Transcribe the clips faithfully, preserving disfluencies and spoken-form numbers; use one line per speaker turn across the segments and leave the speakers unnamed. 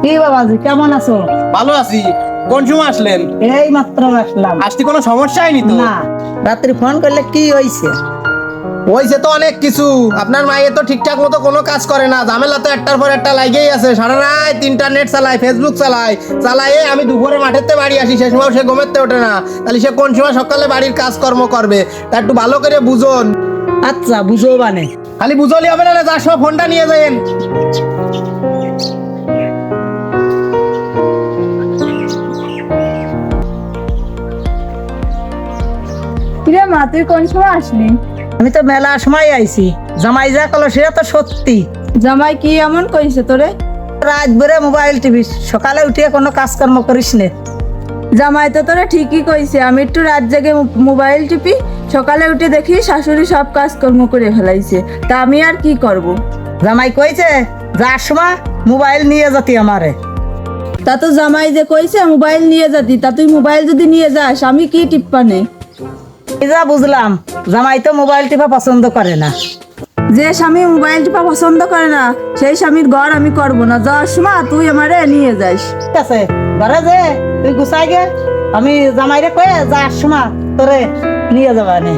কি বাবাজি কেমন আছো?
ভালো আছি। কোন সময় আসলেন?
এই মাত্র আসলাম।
আসতে কোনো সমস্যা হয়নি তো?
না, রাত্রি ফোন করলে কি হইছে?
হয়েছে তো অনেক কিছু। আপনার মাইয়ে তো ঠিকঠাক মতো কোনো কাজ করে না, ঝামেলা তো একটার পর একটা লাগেই আছে। সারা রাত ইন্টারনেট চালায়, ফেসবুক চালায়, চালায় আমি দুপুরে মাঠেতে বাড়ি আসি, সে সময় সে ঘুমেতে ওঠে না। তাহলে সে কোন সময় সকালে বাড়ির কাজকর্ম করবে? তা একটু ভালো করে বুঝুন।
আচ্ছা বুঝো বানে।
খালি বুঝলি হবে না, যার সময় ফোনটা নিয়ে যাবেন।
কিরে মা, তুই কোন সময় আসলি?
আমি তো মেলা সময় আইছি। জামাই যা কলো সেটা তো সত্যি।
জামাই কি এমন কইছে তোরে?
রাত ভরে মোবাইল টিভি, সকালে উঠে কোনো কাজকর্ম করিস নে।
জামাই তো তোরে ঠিকই কইছে, আমি একটু রাত জেগে মো- মোবাইল টিপি, সকালে উঠে দেখি শাশুড়ি সব কাজকর্ম করে ফেলাইছে। তা আমি আর কি করব?
জামাই কইছে যার সময় মোবাইল নিয়ে যাতি আমারে।
তা তো জামাই যে কইছে মোবাইল নিয়ে যাতি, তা তুই মোবাইল যদি নিয়ে যাস আমি কি টিপ্পানে?
এই যা বুঝলাম, জামাই তো মোবাইল টিপা পছন্দ করে না।
যে স্বামী মোবাইল টিপা পছন্দ করে না সেই স্বামীর ঘর আমি করব না। যাওয়ার সময় তুই আমারে নিয়ে যাস।
ঠিক আছে, ঘরে যে তুই গুছাই গে, আমি জামাইরে কয়ে যার সময় তোরে নিয়ে যাবা নে।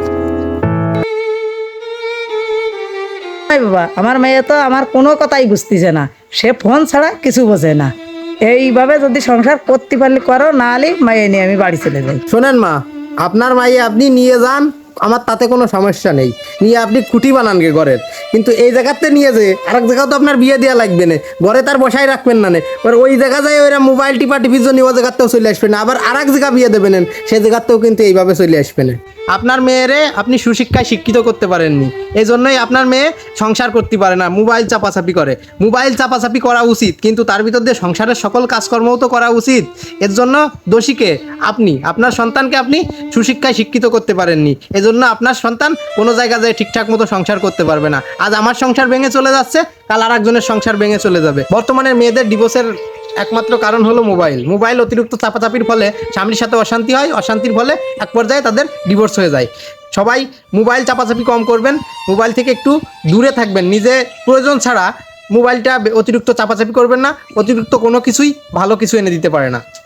এই বাবা, আমার মেয়ে তো আমার কোনো কথাই বুঝতেছে না, সে ফোন ছাড়া কিছু বোঝে না। এইভাবে যদি সংসার করতে পারলে করো, না হলে মেয়ে নিয়ে আমি বাড়ি চলে যাই।
শোনেন মা, আপনার মাইয়ে আপনি নিয়ে যান, আমার তাতে কোনো সমস্যা নেই। নিয়ে আপনি খুঁটি বানান গে ঘরের, কিন্তু এই জায়গাতে নিয়ে যে আরেক জায়গাও তো আপনার বিয়ে দেওয়া লাগবে না, ঘরে তার বসাই রাখবেন না নে। এবার ওই জায়গা যায় ওইরা মোবাইল টিপা টিপির জন্য ও জায়গাতেও চলে আসবে না, আবার আরেক জায়গা বিয়ে দেবেন সেই জায়গাতেও কিন্তু এইভাবে চলে আসবে না। আপনার মেয়েরে আপনি সুশিক্ষায় শিক্ষিত করতে পারেননি, এই জন্যই আপনার মেয়ে সংসার করতে পারে না, মোবাইল চাপাচাপি করে। মোবাইল চাপাচাপি করা উচিত, কিন্তু তার ভিতর দিয়ে সংসারের সকল কাজকর্মও তো করা উচিত। এর জন্য দোষীকে আপনি, আপনার সন্তানকে আপনি সুশিক্ষায় শিক্ষিত করতে পারেননি, এজন্য আপনার সন্তান কোনো জায়গা যায় ঠিকঠাক মতো সংসার করতে পারবে না। আজ আমার সংসার ভেঙে চলে যাচ্ছে, কাল আর একজনের সংসার ভেঙে চলে যাবে। বর্তমানে মেয়েদের ডিভোর্সের একমাত্র কারণ হলো মোবাইল। মোবাইল অতিরিক্ত চাপাচাপির ফলে স্বামীর সাথে অশান্তি হয়, অশান্তির ফলে এক পর্যায়ে তাদের ডিভোর্স হয়ে যায়। সবাই মোবাইল চাপাচাপি কম করবেন, মোবাইল থেকে একটু দূরে থাকবেন, নিজে প্রয়োজন ছাড়া মোবাইলটা অতিরিক্ত চাপাচাপি করবেন না। অতিরিক্ত কোনো কিছুই ভালো কিছু এনে দিতে পারে না।